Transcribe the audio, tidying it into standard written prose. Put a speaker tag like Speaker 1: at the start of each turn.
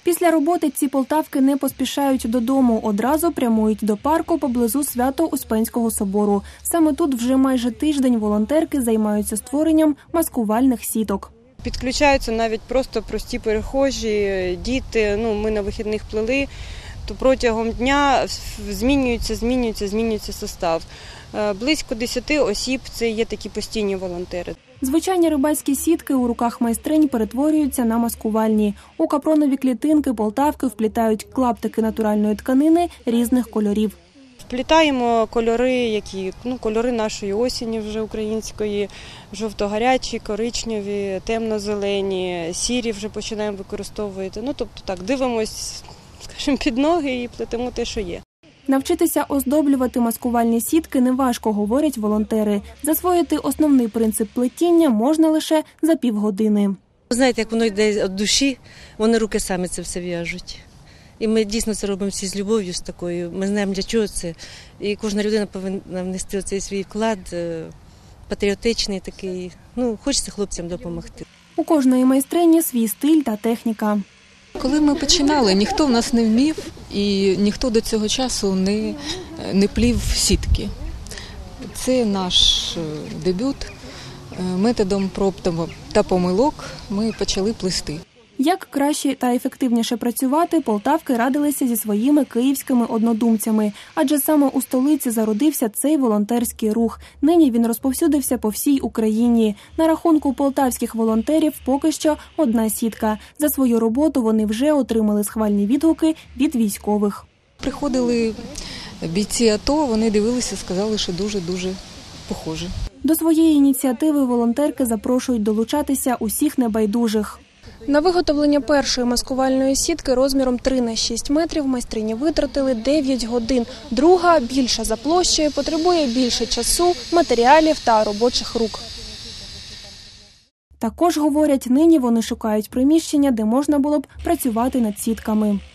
Speaker 1: Після роботи ці полтавки не поспішають додому, одразу прямують до парку поблизу Свято-Успенського собору. Саме тут вже майже тиждень волонтерки займаються створенням маскувальних сіток.
Speaker 2: Підключаються навіть просто прості перехожі, діти. Ми на вихідних плели, то протягом дня змінюється состав. Близько 10 осіб – це є такі постійні волонтери.
Speaker 1: Звичайні рибальські сітки у руках майстринь перетворюються на маскувальні. У капронові клітинки полтавки вплітають клаптики натуральної тканини різних кольорів.
Speaker 2: Вплітаємо кольори, кольори нашої осені вже української, жовто-гарячі, коричневі, темно-зелені, сірі вже починаємо використовувати. Дивимось, під ноги і плетемо те, що є.
Speaker 1: Навчитися оздоблювати маскувальні сітки неважко, говорять волонтери. Засвоїти основний принцип плетіння можна лише за півгодини.
Speaker 3: Знаєте, як воно йде від душі, вони руки самі це все в'яжуть. І ми дійсно це робимо всі з любов'ю, з такою. Ми знаємо, для чого це. І кожна людина повинна внести цей свій вклад, патріотичний такий. Хочеться хлопцям допомогти.
Speaker 1: У кожної майстрині свій стиль та техніка.
Speaker 4: Коли ми починали, ніхто в нас не вмів і ніхто до цього часу не плів сітки. Це наш дебют. Методом проб та помилок ми почали плести.
Speaker 1: Як краще та ефективніше працювати, полтавки радилися зі своїми київськими однодумцями. Адже саме у столиці зародився цей волонтерський рух. Нині він розповсюдився по всій Україні. На рахунку полтавських волонтерів поки що одна сітка. За свою роботу вони вже отримали схвальні відгуки від військових.
Speaker 4: Приходили бійці АТО, вони дивилися, сказали, що дуже-дуже похоже.
Speaker 1: До своєї ініціативи волонтерки запрошують долучатися усіх небайдужих. На виготовлення першої маскувальної сітки розміром 3 на 6 метрів майстрині витратили 9 годин. Друга, більша за площею, потребує більше часу, матеріалів та робочих рук. Також, говорять, нині вони шукають приміщення, де можна було б працювати над сітками.